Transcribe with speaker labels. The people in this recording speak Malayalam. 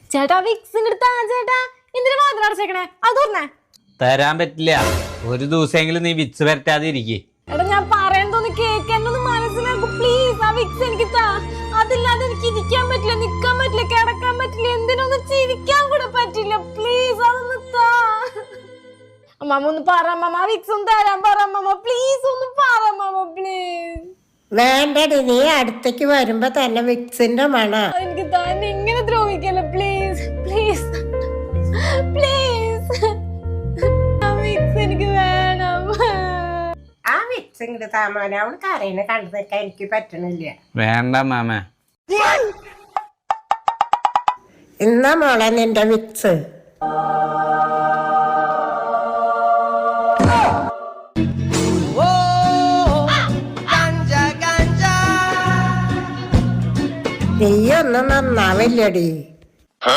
Speaker 1: ചേട്ടാ വിക്സിന്റെ അടുത്താ ചേട്ടാ, എന്തിനാ വാതിൽ അടച്ചേക്കണേ? അത് തുറന്നേ.
Speaker 2: തരാൻ പറ്റില്ല. ഒരു ദിവസമെങ്കിലും നീ വിക്സ് വരട്ടാതെ ഇരിക്കേ.
Speaker 1: എടാ ഞാൻ പറയുന്നതൊന്ന് കേക്ക്, എന്നെ ഒന്ന് മനസ്സിലാക്കും പ്ലീസ്. ആ വിക്സ് എനിക്ക് താ. അതില്ലാതെ എനിക്ക് ഇരിക്കാൻ പറ്റില്ല, നിക്കാൻ പറ്റില്ല, കിടക്കാൻ പറ്റില്ല, എന്തിനൊന്നും ചിരിക്കാൻ കൂടെ പറ്റില്ല. പ്ലീസ് അതൊന്ന് താ. അമ്മ ഒന്ന് പറ അമ്മ, വിക്സ് ഒന്ന് തരാൻ പറ അമ്മ, പ്ലീസ് ഒന്ന് പറ അമ്മ പ്ലീസ്.
Speaker 3: വേണ്ടടി, നീ അടുത്തേക്ക് വരുമ്പോ തന്നെ വിക്സിന്റെ മണ.
Speaker 1: എനിക്ക് തന്നെ ഇങ്ങനെ ദ്രോഹിക്കല്ലോ പ്ലീസ് പ്ലീസ് പ്ലീസ്. ആ വിക്സ് എനിക്ക് വേണം.
Speaker 3: ആ വിക്സ് ഇങ്ങോട്ട് താമാന, അവള് കരയിനെ കണ്ടു നിൽക്കാൻ എനിക്ക് പറ്റണില്ല.
Speaker 2: വേണ്ട മാമ.
Speaker 3: ഇന്നാ മോളെ നിന്റെ വിക്സ്. നീയൊന്നും നന്നാവില്ലടി.